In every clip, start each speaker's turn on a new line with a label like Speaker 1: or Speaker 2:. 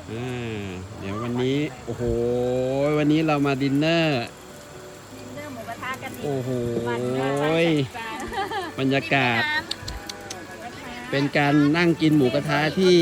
Speaker 1: อ่เดี๋ยววันนี้โอ้โหวันนี้เรามาดินเนอร์
Speaker 2: ดินเนอร์หมูกระทะกันอีก
Speaker 1: โอ้โห
Speaker 2: วันหนึ่ง
Speaker 1: บรรยากาศเป็นการนั่งกินหมูกระทะที่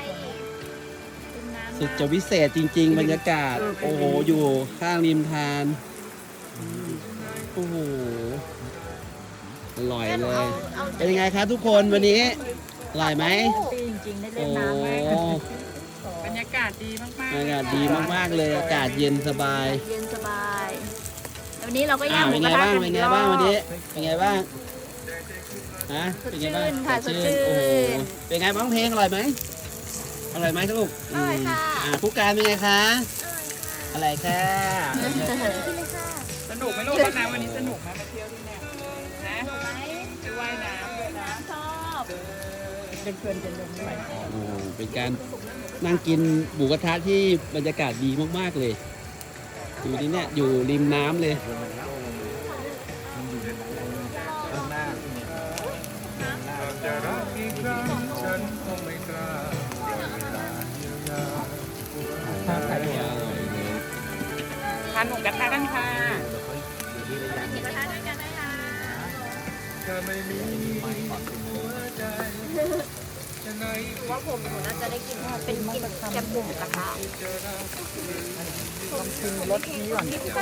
Speaker 1: สุดจะวิเศษจริง ๆ บรรยากาศโอ้โหอยู่ข้างริมทานโอ้โหอร่อยเลย เป็นยังไงครับทุกคนวันนี้อร่อยไหม
Speaker 2: จริงๆได้เล่
Speaker 1: โอ้
Speaker 2: นน้ำมาก
Speaker 3: บรรยากาศดีมาก
Speaker 1: อากาศดีมากๆเลยอากาศเย็นสบาย
Speaker 2: เย็นสบายวันนี้เราก็ย่างหมู
Speaker 1: เป็น
Speaker 2: ก
Speaker 1: ไง
Speaker 2: ระทะ
Speaker 1: บ้าง
Speaker 2: กัน
Speaker 1: เป็น
Speaker 2: อีก
Speaker 1: ไง
Speaker 2: ร
Speaker 1: บ้าง
Speaker 2: อ
Speaker 1: วัน
Speaker 2: บ
Speaker 1: นี้เป็นไงบ้างฮะ
Speaker 2: สด
Speaker 1: เป็นไง
Speaker 2: ชื่
Speaker 1: บ้าง
Speaker 2: นค่ะสดชื่
Speaker 1: โอ้โห
Speaker 2: น
Speaker 1: เป็นไงบ้างเพลงอร่อยไหมอร่อยไหมครับลูก
Speaker 2: อร่อยค่ะ
Speaker 1: ผู้การเป็นไงคะอร่อยค่ะ
Speaker 3: ๆ สนุกไหมลูกวันน้ำวันนี้สนุกไหมมาเที่ยวที่เนี่ยนะไปว่ายน้ำด้วยนะ
Speaker 2: ชอบ
Speaker 3: เป็นเพื่อนกันลงไป
Speaker 1: โอ้เป็นการนั่งกินหมูกระทะที่บรรยากาศดีมากๆเลย อยู่ที่เนี่ยอยู่ริมน้ำเลย
Speaker 4: จะรักอีกครั้งฉันคงไม่กล้าเวลาเยียวยา
Speaker 1: อร่อยเลย
Speaker 3: ทานหมูกระทะกันค่ะ
Speaker 2: หมูกระทะด้วยกันนะคะ
Speaker 4: ถ้าไม่มีหัวใจจะไหน
Speaker 2: ว่าผมหนูน่าจะได้กินเป็นกินแกงหมูกระทะ
Speaker 3: ลองชิมรสนี้ก่อน